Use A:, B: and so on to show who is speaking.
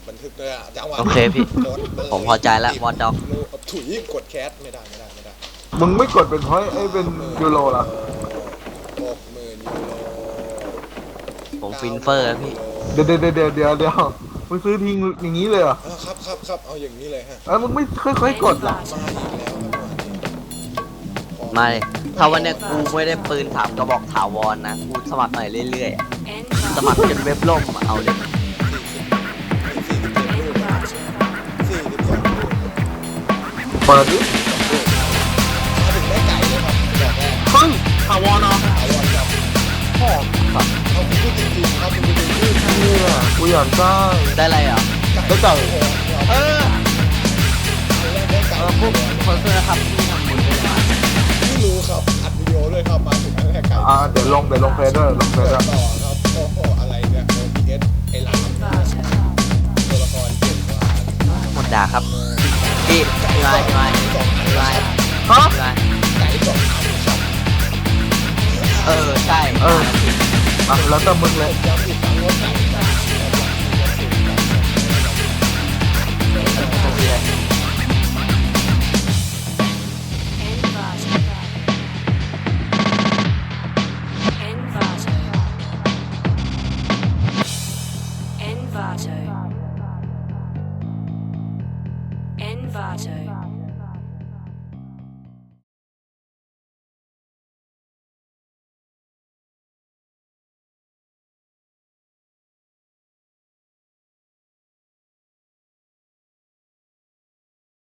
A: บันทึกด้วยอะจังหวะ
B: โอเคพี่
A: กดเลย
B: ผมพอใจแล้ววอดด็อก
A: ถุยกดแคสไม่ได้
C: มึงไม่กดเป็นเพราะไอ้เป็นยูโรเหรอ
A: 60,000 ยูโร
B: ผมฟินเฟอร์พี่
C: เดี๋ยวมึงซื้อทิ้งอย่างนี้เลยเหรอ
A: ครับเอาอย่างนี้เลยฮะ
C: มึงไม่ค่อยๆกดเหรอ
A: มาอีกแล้วครับ
B: มาเลยถ้าวันเนี้ยกูไม่ได้ปืน3 กระบอกถาวรนะกูสมัครหน่อยเรื่อยๆสมัครจนเว็บล่มอะเอาเลย
A: 47 ลูก42 ลูก
C: เปิดดิ
A: มาถึงได้ไก่เลยครับแบบแรก
C: เฮ้ยถาวรเนาะ
A: เอาวันครับ
C: พ่อ
A: เอาคุณพูดจริงๆครับคุณพูดจริงๆ
C: นี่อ่ะกูอยากได้
B: ได้อะไรอ่ะ
C: ได้ไก่
B: เออ
A: ได้ไก่
B: พวกคอนเสิร์ตนะครับที่ทำบุญด้วยนะ
A: ไม่รู้ครับอัดวิดีโอเลยครับมาถึงครั้งแรกไก่
C: เดี๋ยวลงเพจด้วยลงเพจ
A: ต่
C: ด้
A: อ
C: วย
A: ครับโอ้โหอะไรเนี่ย OBS ไอ้หลามตัวละครเก่งกว่า
B: หมดด่าครับพี่พี่ไม้
A: สองอัน
C: ฮะ
B: พี่ไม้
A: ไก่สองอันครับ
B: ใช่
C: แล้วแต่มึงเลย
A: ย้ำอีกครั้งว่าไก่